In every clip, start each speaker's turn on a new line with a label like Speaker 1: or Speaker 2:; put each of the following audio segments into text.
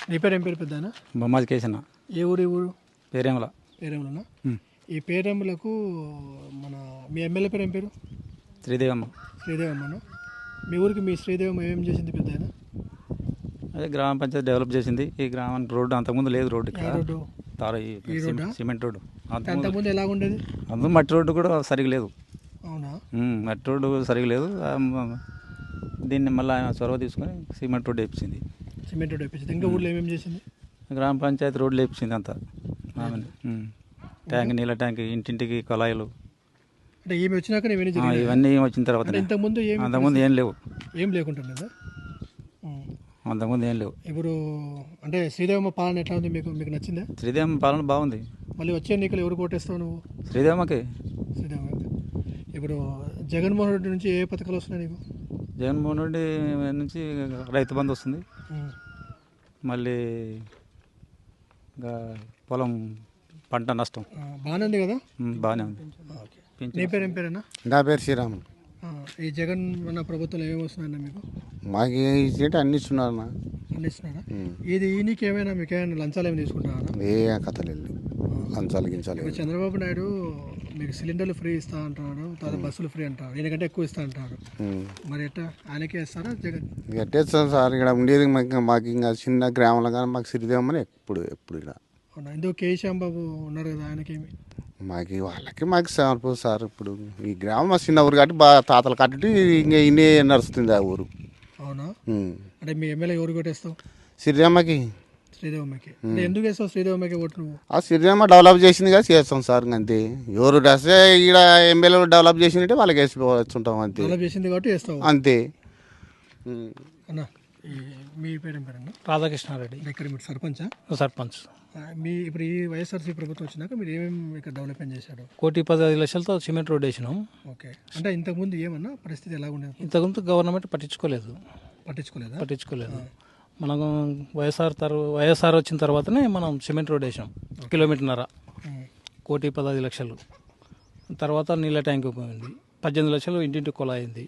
Speaker 1: నీ పేరు ఏం పేరు పెద్దనా?
Speaker 2: బొమ్మాది కేసన్న.
Speaker 1: ఏ ఊరు ఈ ఊరు?
Speaker 2: పేరేమల.
Speaker 1: పేరెంలనా? ఈ పేరెంలకు మన మీ ఎమ్మెల్యే పేరు ఏం పేరు?
Speaker 2: శ్రీదేవమ్మ.
Speaker 1: శ్రీదేవమ్మను. మీ ఊరికి మీ శ్రీదేవమ్మ ఏం చేసింది పెద్దనా?
Speaker 2: అదే గ్రామ పంచాయతీ డెవలప్ చేసింది. ఈ గ్రామానికి రోడ్డు అంతకుముందు లేదు. రోడ్డు
Speaker 1: రోడ్డు
Speaker 2: సిమెంట్ రోడ్డు
Speaker 1: అంతకుముందు ఎలా ఉండేది?
Speaker 2: అందులో మట్టి రోడ్డు కూడా సరిగా లేదు.
Speaker 1: అవునా?
Speaker 2: మట్టి రోడ్డు సరిగా లేదు. దీన్ని మళ్ళీ ఆయన చొరవ తీసుకొని సిమెంట్ రోడ్డు వేపించింది.
Speaker 1: సిమెంట్ రోడ్డు వేపించింది. ఇంకా ఊళ్ళో ఏమేమి చేసింది?
Speaker 2: గ్రామ పంచాయతీ రోడ్లు వేపించింది అంతా. ట్యాంక్, నీళ్ళ ట్యాంక్, ఇంటింటికి కొలాయిలు.
Speaker 1: అంటే ఏమి వచ్చినాక
Speaker 2: ఇవన్నీ వచ్చిన తర్వాత
Speaker 1: అంతకుముందు
Speaker 2: ఏం లేవు.
Speaker 1: ఏం లేకుంటుందా?
Speaker 2: అంతకుముందు ఏం లేవు.
Speaker 1: ఇప్పుడు అంటే శ్రీదేవమ్మ పాలన ఎట్లా ఉంది? మీకు మీకు నచ్చిందా?
Speaker 2: శ్రీదేవమ్మ పాలన బాగుంది.
Speaker 1: మళ్ళీ వచ్చే ఎన్నికలు ఎవరు కోటేస్తావు నువ్వు?
Speaker 2: శ్రీదేవమ్మకి.
Speaker 1: శ్రీదేవమ్మ. ఇప్పుడు జగన్మోహన్ రెడ్డి నుంచి ఏ పథకాలు వస్తున్నాయి నీకు?
Speaker 2: జగన్మోహన్ రెడ్డి నుంచి రైతు బంధు వస్తుంది. మళ్ళీ ఇంకా పొలం పంట నష్టం
Speaker 1: బాగానే ఉంది కదా?
Speaker 2: బాగానే ఉంది.
Speaker 1: నీ పేరు ఏం పేరేనా?
Speaker 3: నా పేరు శ్రీరామ్.
Speaker 1: ఈ జగన్ మన ప్రభుత్వంలో ఏమేమి వస్తున్నాయన్న మీకు?
Speaker 3: మాకు ఇచ్చేటి అన్ని ఇస్తున్నారు.
Speaker 1: అన్ని ఇస్తున్నారా? ఇది ఈయనకి ఏమైనా మీకు ఏమైనా లంచాలు ఏమైనా తీసుకుంటున్నారా?
Speaker 3: ఏ కథలు వెళ్ళి లంచాలు గించాలి.
Speaker 1: ఇప్పుడు చంద్రబాబు నాయుడు మీకు సిలిండర్లు ఫ్రీ ఇస్తా అంటున్నాడు, తర్వాత బస్సులు ఫ్రీ అంటారు, ఈయనకంటే ఎక్కువ ఇస్తా అంటారు. మరి ఎట్లా ఆయనకే ఇస్తారా జగన్?
Speaker 3: ఎట్టేస్తాం సార్. ఇక్కడ ఉండేది మాకు ఇంకా చిన్న గ్రామంలో కానీ మాకు సిరిదేమని ఎప్పుడు ఇక్కడ.
Speaker 1: అవునా? ఎందుకు కేశంబాబు ఉన్నారు కదా, ఆయనకేమి?
Speaker 3: మాకు సరిపోదు సార్. ఇప్పుడు ఈ గ్రామం మా చిన్న ఊరు కాబట్టి బాగా తాతలు కట్టి ఇంకా ఇన్నే నడుస్తుంది ఆ ఊరు.
Speaker 1: అవునా? అంటే మీ ఎమ్మెల్యే ఎవరు కొట్టేస్తావు?
Speaker 3: సిరిదేమ్మకి.
Speaker 1: శ్రీదేవమ్మకి. అంటే ఎందుకు వేస్తావు శ్రీదేవమ్మకి ఓటు నువ్వు?
Speaker 3: ఆ సిరిదేమ్మ డెవలప్ చేసింది కదా, చేస్తాం సార్. అంతే. ఎవరు వస్తే ఇక్కడ ఎమ్మెల్యే డెవలప్ చేసినట్టే వాళ్ళకి వేసిపోతుంటాం. అంతే.
Speaker 1: డెవలప్ చేసింది కాబట్టి వేస్తావు
Speaker 3: అంతే.
Speaker 1: అన్నా మీ పేరు ఏం పేరన్నా?
Speaker 4: రాధాకృష్ణారెడ్డి.
Speaker 1: ఇక్కడ మీరు సర్పంచా?
Speaker 4: సర్పంచ్.
Speaker 1: మీ ఇప్పుడు ఈ వైఎస్ఆర్సీ ప్రభుత్వం వచ్చినాక మీరు ఏమేమి ఇక్కడ డెవలప్మెంట్ చేశారు?
Speaker 4: 1,15,00,000తో సిమెంట్ రోడ్ వేసినాం.
Speaker 1: ఓకే. అంటే ఇంతకుముందు ఏమన్నా పరిస్థితి ఎలా ఉండేది?
Speaker 4: ఇంతకుముందు గవర్నమెంట్ పట్టించుకోలేదు. మనం వైఎస్ఆర్ వచ్చిన తర్వాతనే మనం సిమెంట్ రోడ్ వేసాం. 1.5 కిలోమీటర్న్నర. 1,15,00,000. తర్వాత నీళ్ళ ట్యాంక్ పోయింది. 18 లక్షలు ఇంటింటి కొలా అయింది.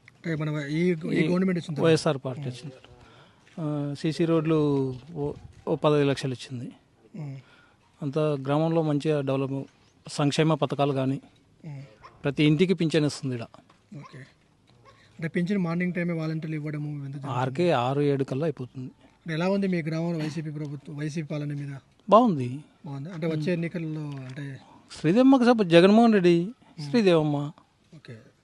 Speaker 4: వైఎస్ఆర్ పార్టీ వచ్చింది. సీసీ రోడ్లు 15 లక్షలు ఇచ్చింది. అంత గ్రామంలో మంచిగా డెవలప్, సంక్షేమ పథకాలు కానీ ప్రతి ఇంటికి పింఛన్ ఇస్తుంది ఇక్కడ.
Speaker 1: ఓకే. అంటే పింఛన్ మార్నింగ్ టైమే వాలంటీర్లు ఇవ్వడము
Speaker 4: 6-7 కల్లా అయిపోతుంది.
Speaker 1: ఎలా ఉంది మీ గ్రామంలో వైసీపీ పాలన మీద?
Speaker 4: బాగుంది.
Speaker 1: అంటే వచ్చే ఎన్నికల్లో అంటే
Speaker 4: శ్రీదేవమ్మకి జగన్మోహన్ రెడ్డి, శ్రీదేవమ్మ.
Speaker 1: ఓకే.